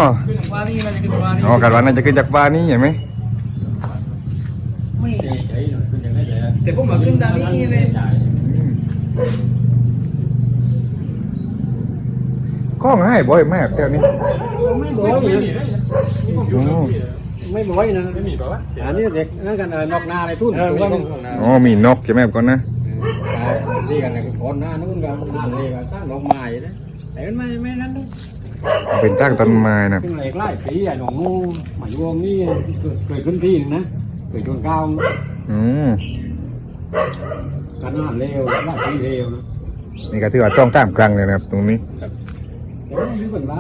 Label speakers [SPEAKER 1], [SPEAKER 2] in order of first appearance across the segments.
[SPEAKER 1] ขึ้นจากฟ้านี่น่าจะขึ้นจากฟ้านี่
[SPEAKER 2] อ๋อกันว่าน่าจะขึ้นจากฟ้านี่เห็นไหม
[SPEAKER 1] ไม่แต่พวกมันขึ้นทางนี้เลย
[SPEAKER 2] ข้องให้บ่อยมากแถวนี้
[SPEAKER 1] ไม่บ่อยไม่บ่อยนะ
[SPEAKER 3] ไม่มีป่าวะ
[SPEAKER 1] อันนี้เด็กนั่นกันนอกนาอะไรทุ่นถูกป่ะ
[SPEAKER 2] อ๋อมีนกใช่ไหมก่อนนะ
[SPEAKER 1] นี่กันเลยคนหน้านู้นกันหน้าเลยกันตั้งดอกไม้นะแต่ไม่นั้นด้วย
[SPEAKER 2] เป็นตั้งต้นไม้นะ
[SPEAKER 1] ขึ้นเหล็กไล่ปีอ่ะหนองงูหมายวงนี่เคยขึ้นที่นึงนะเคยชนก้าว
[SPEAKER 2] อืม
[SPEAKER 1] กันหน้าเร็วไล่ปีเร็วนะ
[SPEAKER 2] นี่ก็ถือว่าต้องตามกลางเลยนะครับตรงนี้
[SPEAKER 1] แต่ว่าอยู่เป็นไร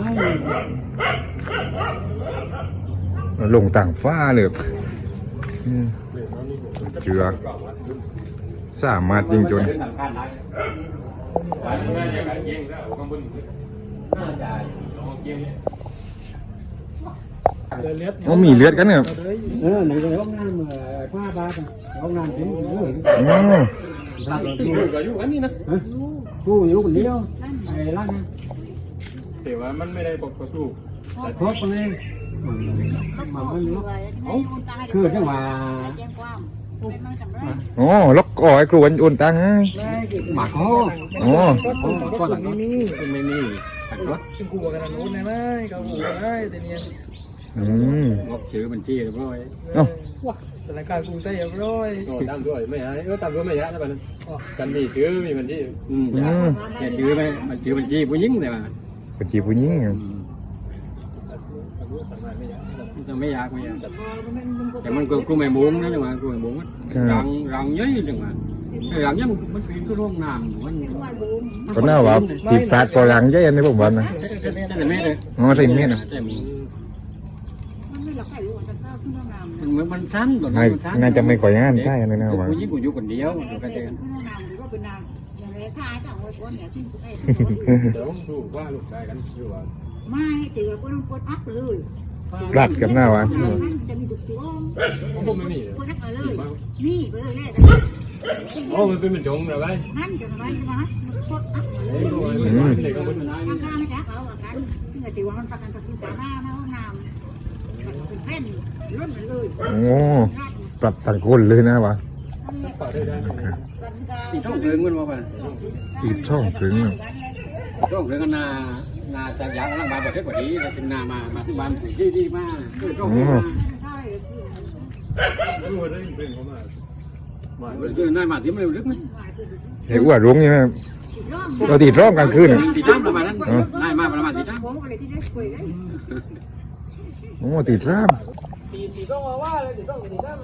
[SPEAKER 2] ลงต่างฟ้าเลยอืมเจือสามารถยิงจนอ๋อมีเลือดกันเนี่ย
[SPEAKER 1] ไหนจะห้องน้ำผ้าบาทห้องน้ำทิ้ง
[SPEAKER 2] อ๋อ
[SPEAKER 1] ตัดเลย
[SPEAKER 3] อยู่กับอยู่กันนี่นะ
[SPEAKER 1] กูอยู่คนเดียวไอ้ร้านนะ
[SPEAKER 3] แต่ว่ามันไม่ได้บอกกระสู้
[SPEAKER 1] ครบเลยมันคือจังหวะ
[SPEAKER 2] อ๋อล็อกก่อไอ้ครูวันโอนตังค์ให้
[SPEAKER 1] หมากคอ
[SPEAKER 2] อ๋อ
[SPEAKER 1] ก็หลังนี้ไม่มีตัดรถ
[SPEAKER 4] เป็นกูกับกันนู้นได้ไหมเขากูได้แต่เนี่ย
[SPEAKER 2] อืม
[SPEAKER 1] งบชื่อบัญชีเรียบร้อย
[SPEAKER 2] เอ้า
[SPEAKER 4] ว้าสถานการณ์กรุงเทพร้อย
[SPEAKER 3] ตามด้วยไม่หายตามด้วยไม่ยะนะบ้านกันมีชื่อมีบัญชี
[SPEAKER 1] แต่ชื่อไหมมันชื่อบัญชีผู้หญิงแต่ว่า
[SPEAKER 2] เป็นจีบผู้หญิงครับ
[SPEAKER 1] จะไม่อยากแต่มันกูไม่มุ้งนะจังหวะกูไม่มุ้งรังเยอะจังหวะรังเยอะมันเป็นก็ร่องน้ำมัน
[SPEAKER 2] ก็น่าว่าตีพลาดปอหลังใหญ่ในผมวันนะ
[SPEAKER 1] แต่ไม่เลย
[SPEAKER 2] อ๋อใส่เม็ดนะ
[SPEAKER 1] แต่มันสั้น
[SPEAKER 2] น่าจะไม่ค่อยงานได้เลยนะว่า
[SPEAKER 1] ผู้หญิงกูอยู่คนเดียวอยู่กันเอง
[SPEAKER 3] เดี๋ยวดูว่าลูกชายกันอยู่ว่า
[SPEAKER 5] ไม่ถือว่าคนกดอัพเลย
[SPEAKER 2] พลาดกับหน้าวะ
[SPEAKER 5] จะมีจุดช่วง
[SPEAKER 3] ผมไม่มี
[SPEAKER 5] กดอัพเลยนี่ไปเลยแหละ
[SPEAKER 3] โอ้มันเป็นเหมือนจงเหรอไง
[SPEAKER 5] นั่นจะทำไมจะนะกดอัพเล
[SPEAKER 3] โอ้
[SPEAKER 5] ย
[SPEAKER 3] ยไม่ได้ก็มัน
[SPEAKER 5] ข้างข้างไม่จ้าเขาอ่ะกันเงยถือว่ามันประกันตะกี้ตาหน้าหน้าห้องน้ำเป็นแผ่นล้นเลย
[SPEAKER 2] โอ้ปรับต่างคนเลยนะวะ
[SPEAKER 3] ต่อได้ได้
[SPEAKER 1] ตีช่องถึงมันมาป่ะ
[SPEAKER 2] ตีช่องถึง
[SPEAKER 1] ช่องถึงกันนาจากยางร่างบานประเทศกว่านี้แล้วถึงนามาที่บ้านที่มาช่องถึงมา
[SPEAKER 3] ดูได้เป็นเขามามา
[SPEAKER 1] คือนายมาที่มันเร็วลึกไหม
[SPEAKER 2] ไอ้อ้วนรุ้งใช่ไหมเราตีร่องกลางคืน
[SPEAKER 1] ตีน้ำประมาณนั้นนายมาประมาณตีน้ำ
[SPEAKER 5] ผมอะไรที่ได้คุยได้
[SPEAKER 2] โอ้ตีร่าม
[SPEAKER 4] ตีต้องมาว่าเลยตีต้องตีได้เลย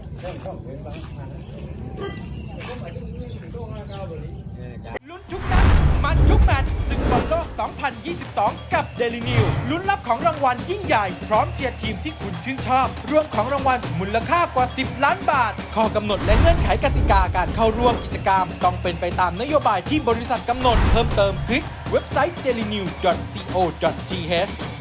[SPEAKER 6] ลุ้นทุกนัดมันทุกแมตช์ศึกบอลโลก 2022 กับ Daily New ลุ้นรับของรางวัลยิ่งใหญ่ พร้อมเชียร์ทีมที่คุณชื่นชอบ รวมของรางวัลมูลค่ากว่า 10 ล้านบาท ข้อกำหนดและเงื่อนไขกติกาการเข้าร่วมกิจกรรม ต้องเป็นไปตามนโยบายที่บริษัทกำหนด เพิ่มเติมคลิกเว็บไซต์ dailynew.co.th